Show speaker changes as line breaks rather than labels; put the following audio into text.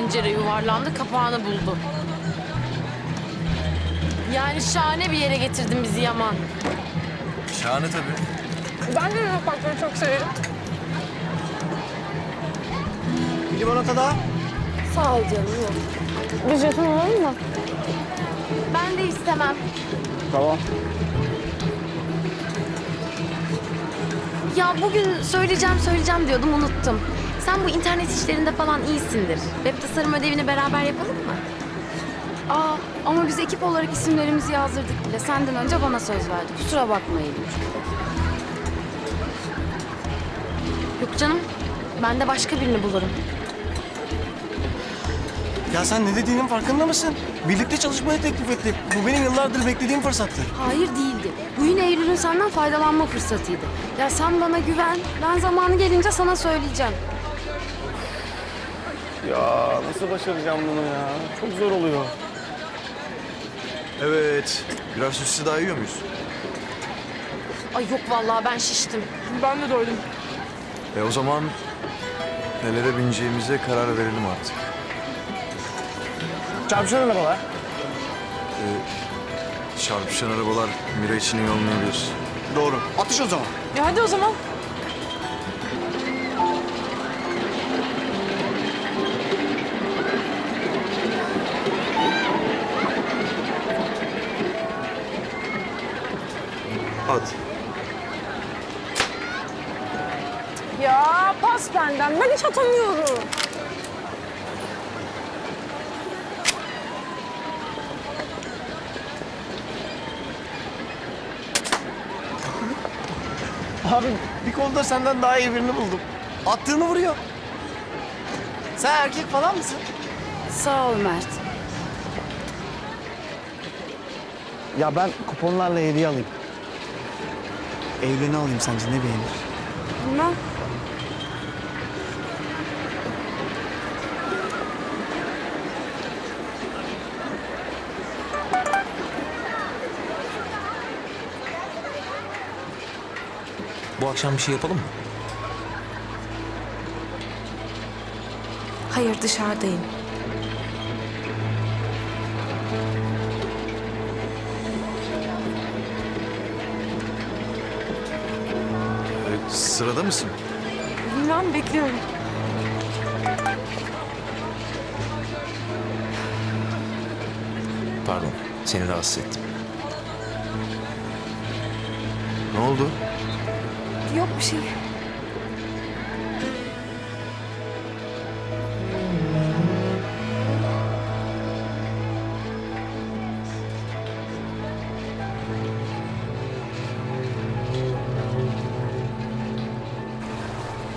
tencere yuvarlandı, kapağını buldu. Yani şahane bir yere getirdin bizi Yaman.
Şahane tabii.
Ben de Luna Park'ları çok severim.
Bir limonata daha.
Sağ ol canım, yok.
Bir jeton alalım mı?
Ben de istemem.
Tamam.
Ya bugün söyleyeceğim diyordum, unuttum. Sen bu internet işlerinde falan iyisindir. Web tasarım ödevini beraber yapalım mı?
Aa, ama biz ekip olarak isimlerimizi yazdırdık bile. Senden önce bana söz verdi. Kusura bakmayın.
Yok canım, ben de başka birini bulurum.
Ya sen ne dediğinin farkında mısın? Birlikte çalışmayı teklif etti. Bu benim yıllardır beklediğim fırsattı.
Hayır değildi. Bu yine Eylül'ün senden faydalanma fırsatıydı. Ya sen bana güven. Ben zamanı gelince sana söyleyeceğim.
Ya nasıl başaracağım bunu ya? Çok zor oluyor. Evet. Birer sosis daha yiyor muyuz?
Ay yok vallahi, ben şiştim.
Ben de doydum.
O zaman nelere bineceğimize karar verelim artık.
Çarpışan arabalar.
Çarpışan arabalar Mira için iyi olmayabilir. Doğru. Atış o zaman.
Hadi o zaman.
Hadi.
Ya pas benden. Ben hiç atamıyorum.
Abi bir konuda senden daha iyi birini buldum. Attığını vuruyor. Sen erkek falan mısın?
Sağ ol Mert.
Ya ben kuponlarla hediye alayım. Evleni alayım sence ne beğenir?
Bilmem.
Bu akşam bir şey yapalım mı?
Hayır, dışarıdayım.
Sırada mısın?
Bilmem, bekliyorum.
Pardon, seni rahatsız ettim.
Ne oldu?
Yok bir şey.